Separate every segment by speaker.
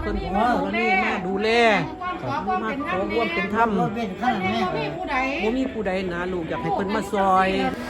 Speaker 1: พิ่นขอนี่มาดูแลมาขอร่วมเป็นธรรมบ่มีผู้ใดนะลูกอยากให้เพิ่นมาซอย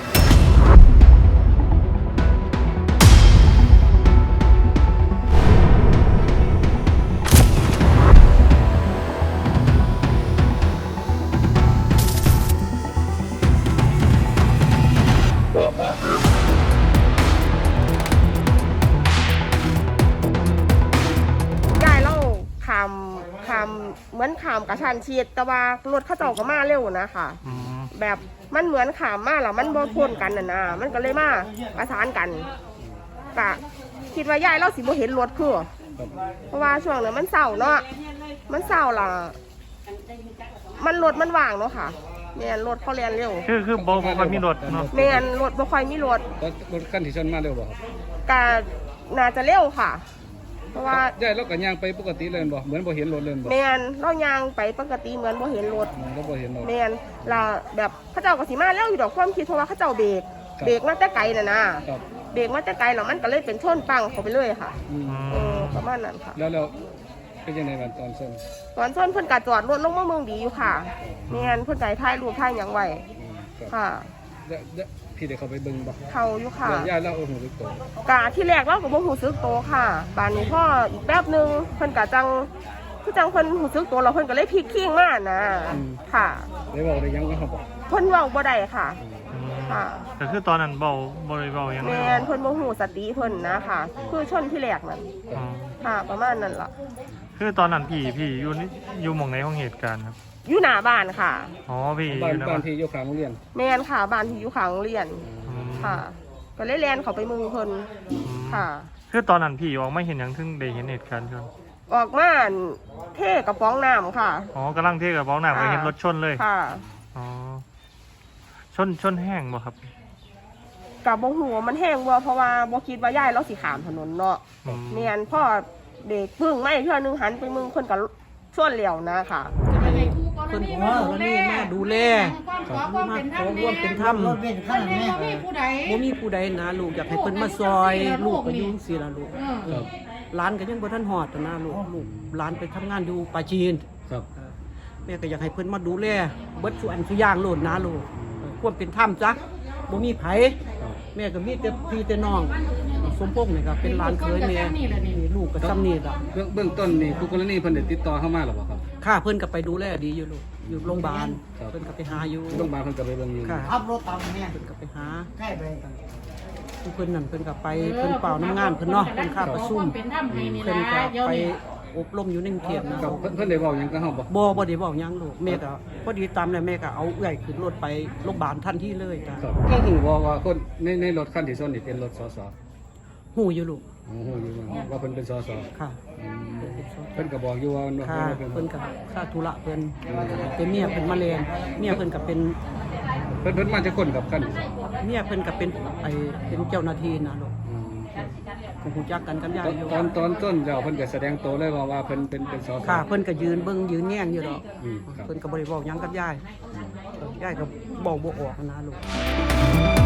Speaker 2: เหมือนขามกระชันชิดแต่ว่ารถเขาเจ้าก็มาเร็วนะค่ะแบบมันเหมือนขามมาแล้วมันบ่พ้นกันนะมันก็เลยมาประสานกันกะคิดว่ายายเราสิบ่เห็นรถคือเพราะว่าช่วงนั้นมันเศร้าเนาะมันเศร้าล่ะมันรถมันว่างเนาะค่ะแม่นรถเขาเรียนเร็ว
Speaker 3: คือบ่ค่อยมีรถเนาะ
Speaker 2: แม่นรถบ่ค่อยมีรถ
Speaker 4: คันที่ชนมาเร็วบ่
Speaker 2: กะน่าจะเร็วค่ะเพราะว่า
Speaker 4: ย่ายเราก็ย่างไปปกติเลยบ่เหมือนบ่เห็นรถเลยบ่
Speaker 2: แม่นเราย่างไปปกติเหมือนบ่เห็นรถ
Speaker 4: เราบ่เห็นรถ
Speaker 2: แม่นล่ะแบบเขาเจ้าก็สิมาแล้วอยู่ดอกความคิดเพราะว่าเขาเจ้าเบรกมาแต่ไกลน่ะนะเบรกมาแต่ไกลแล้วมันก็เลยเป็นชนปังเข้าไปเลยค่ะประมาณนั้นค่ะ
Speaker 4: แล้วเป็นยังไงบ้างตอนช
Speaker 2: นเพิ่นก็จอดรถลงมาเมืองดีอยู่ค่ะแม่นเพิ่นก็ถ่ายรูปถ่ายหยังไว้ค่ะ
Speaker 4: พี่ได้เข้าไปเบิ่งบ่
Speaker 2: เข้าอยู่ค่ะ
Speaker 4: ย่าเล่าหูสึกโต
Speaker 2: กะที่แรกเราก็บ่หูสึกโตค่ะบานนี้พ่ออีกแป๊บนึงเพิ่นก็จังคือจังเพิ่นหูสึกโตแล้วเพิ่นก็เลยพลิกขิ้งมานะค่ะ
Speaker 4: ได้บอกได้ยังก็เขาบอก
Speaker 2: เพิ่นเว้าบ่ได้ค่ะค่ะ
Speaker 3: แต่คือตอนนั้นบ่ได้เว้าหยัง
Speaker 2: แม่นเพิ่นบ่ฮู้สติเพิ่นนะค่ะคือชนที่แรกนั่นค่ะประมาณนั้นล่ะ
Speaker 3: คือตอนนั้นพี่อยู่หม่องไหนของเหตุการณ์ครับ
Speaker 2: อยู่หน้าบ้านค่ะ
Speaker 3: อ๋อพี่
Speaker 4: บ้านที่อยู่ข้างโรงเรียน
Speaker 2: แม่นค่ะบ้านที่อยู่ข้างโรงเรียนค่ะก็เลยแล่นเข้าไปมึงเพิ่นค่ะ
Speaker 3: คือตอนนั้นพี่ออกมาเห็นหยังถึงได้เห็นเหตุการณ์ชน
Speaker 2: ออกมาเทกระป๋องน้ำค่ะ
Speaker 3: อ๋อกำลังเทกระป๋องน้ำไปเห็นรถชนเลย
Speaker 2: ค่ะ
Speaker 3: อ๋อชนแห้งบ่ครับ
Speaker 2: กับบ่ฮู้ว่ามันแห้งบ่เพราะว่าบ่คิดว่ายายเราสิข้ามถนนเนาะแม่นพ่อเด็กพึ่งไม่เทื่อนึงหันไปมึงเพิ่นก็ชนแล้วนะค่ะ
Speaker 1: เพิ่นขอนี่มาดูแลมาขอร่วมเป็นธรรมบ่มีผู้ใดนะลูกอยากให้เพิ่นมาซอยลูกก็อยู่จังซี่ล่ะลูกหลานก็ยังบ่ทันฮอดนะลูกหลานไปทำงานอยู่ปาจีน
Speaker 4: ครับ
Speaker 1: แม่ก็อยากให้เพิ่นมาดูแลเบิดทุกอันทุกอย่างโลดนะลูกควรเป็นธรรมจ้ะบ่มีไผแม่ก็มีแต่พี่แต่น้องสมพงษ์นี่ก็เป็นหลานเคยแม่ลูกก็ซ้ำนี่ล่ะ
Speaker 4: เบื้องต้นนี่ผู้กรณีเพิ่นได้ติดต่อเข้ามาหรือเปล่าครับ
Speaker 1: ค่ะเพิ่นก็ไปดูแลดีอยู่ลูกอยู่โรงพยาบาลเพิ่นก็ไปหาอยู่
Speaker 4: โรงพยาบาลเพิ่นก็ไปเบิ่งอยู่
Speaker 1: ค่ะขับรถตามแม่เพิ่นก็ไปหาใกล้ไปเพิ่นนั่นเพิ่นก็ไปเพิ่นเป่าน้ำงานเพิ่นเนาะเพิ่นข้าประชุมเพิ่นก็ไปอบรมอยู่ในกรุงเทพนะ
Speaker 4: เพิ่นได้บอกหยังกับเฮา
Speaker 1: บ่ได้บอกหยังลูกแม่ก็พอดีตามแล้วแม่ก็เอาเอื้อยขึ้นรถไปโรงพยาบาลทันทีเลยจ้ะ
Speaker 4: ก็ฮู้ว่าคนในรถคันที่ชนนี่เป็นรถสส
Speaker 1: ฮู้อยู่ลูก
Speaker 4: ฮู้อยู่ว่าเพิ่นเป็นสส
Speaker 1: ค่ะ
Speaker 4: เพิ่นก็บอกอยู่ว่า
Speaker 1: เพิ่นก็ค่าธุระเพิ่นเป็นเมียเพิ่นมาเรียนเมียเพิ่นก็เป็น
Speaker 4: เพิ่นมาจะคนกับคัน
Speaker 1: เมียเพิ่นก็เป็นเป็นเจ้าหน้าที่นะลูกคงรู้จักกันกับยายอยู่
Speaker 4: ตอนต้นแล้วเพิ่นก็แสดงตัวเลยว่าเพิ่นเป็นสส
Speaker 1: ค่ะเพิ่นก็ยืนเบิ่งยืนแง่งอยู่ดอกเพิ่นก็บ่ได้บอกหยังกับยายก็บอกบ่ออกนะลูก